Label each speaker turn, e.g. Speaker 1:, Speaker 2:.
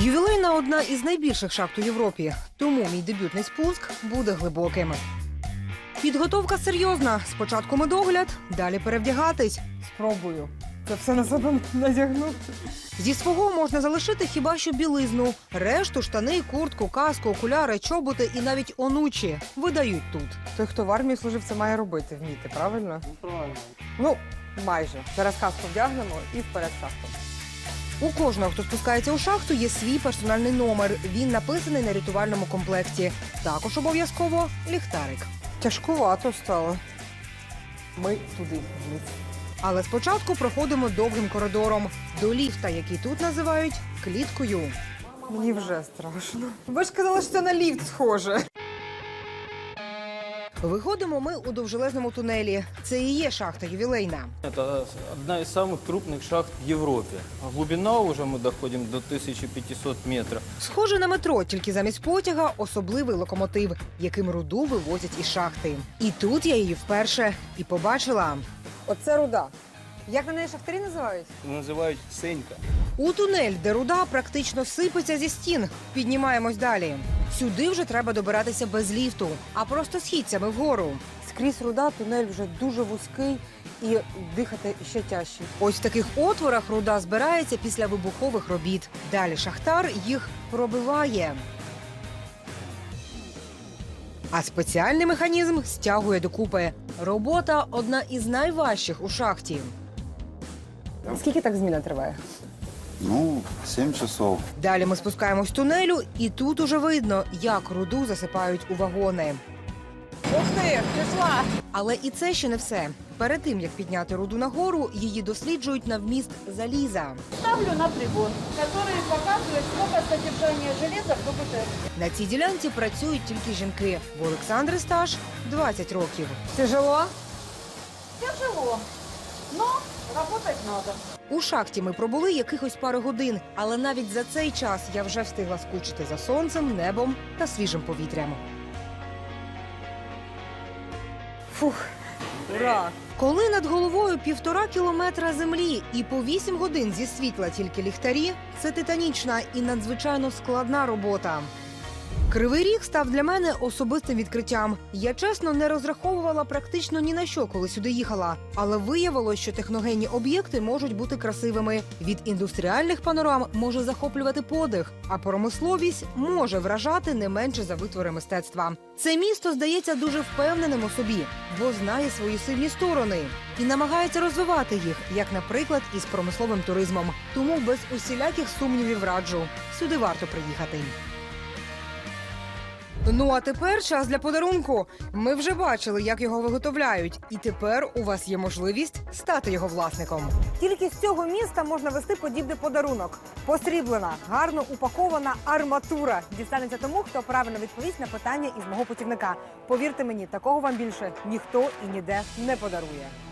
Speaker 1: Ювілейна – одна із найбільших шахт у Європі, тому мій дебютний спуск буде глибоким. Підготовка серйозна. Спочатку медогляд, далі перевдягатись. Спробую. Це все на себе надягну. Зі свого можна залишити хіба що білизну. Решту – штани, куртку, каску, окуляри, чоботи і навіть онучі видають тут. Той, хто в армії служив, це має робити, вміти, правильно?
Speaker 2: Правильно.
Speaker 1: Ну, майже. Зараз каску вдягнемо і вперед каску. У кожного, хто спускається у шахту, є свій персональний номер. Він написаний на рятувальному комплекті. Також обов'язково ліхтарик. Тяжкувато стало. Ми туди вниз. Але спочатку проходимо довгим коридором до ліфта, який тут називають кліткою. Мені вже страшно. Ви ж казали, що це на ліфт схоже. Виходимо ми у довжелезному тунелі. Це і є шахта ювілейна.
Speaker 2: Это одна из самых крупных шахт в Европе. Глубина уже мы доходим до 1500 метров.
Speaker 1: Схоже на метро, тільки замість потяга особливий локомотив, яким руду вивозять із шахти. І тут я її вперше і побачила. Оце руда. Як на неї шахтарі називають?
Speaker 2: Называют Сенька.
Speaker 1: У тунель, де руда практично сипеться зі стін. Піднімаємось далі. Сюди вже треба добиратися без ліфту, а просто східцями вгору. Скрізь руда, тунель вже дуже вузький і дихати ще тяжче. Ось в таких отворах руда збирається після вибухових робіт. Далі шахтар їх пробиває. А спеціальний механізм стягує докупи. Робота – одна із найважчих у шахті. Скільки так зміна триває?
Speaker 3: 7 часов.
Speaker 1: Далі ми спускаємось в тунелю, і тут уже видно, як руду засипають у вагони. Ух ти, пішла! Але і це ще не все. Перед тим, як підняти руду нагору, її досліджують на вміст заліза.
Speaker 4: Ставлю на прибор, который показывает, сколько содержания железа в КБТ.
Speaker 1: На цій ділянці працюють тільки жінки. В Олександри стаж 20 років. Тяжело?
Speaker 4: Тяжело, но работать надо.
Speaker 1: У шахті ми пробули якихось пару годин, але навіть за цей час я вже встигла скучити за сонцем, небом та свіжим повітрям. Фух, ура! Коли над головою 1,5 кілометра землі і по 8 годин зі світла тільки ліхтарі, це титанічна і надзвичайно складна робота. Кривий Ріг став для мене особистим відкриттям. Я, чесно, не розраховувала практично ні на що, коли сюди їхала. Але виявилось, що техногенні об'єкти можуть бути красивими. Від індустріальних панорам може захоплювати подих, а промисловість може вражати не менше за витвори мистецтва. Це місто здається дуже впевненим у собі, бо знає свої сильні сторони і намагається розвивати їх, як, наприклад, із промисловим туризмом. Тому без усіляких сумнівів раджу – сюди варто приїхати. Ну а тепер час для подарунку. Ми вже бачили, як його виготовляють. І тепер у вас є можливість стати його власником. Тільки з цього міста можна вести подібний подарунок. Посріблена, гарно упакована арматура. Дістанеться тому, хто правильно відповість на питання із мого путівника. Повірте мені, такого вам більше ніхто і ніде не подарує.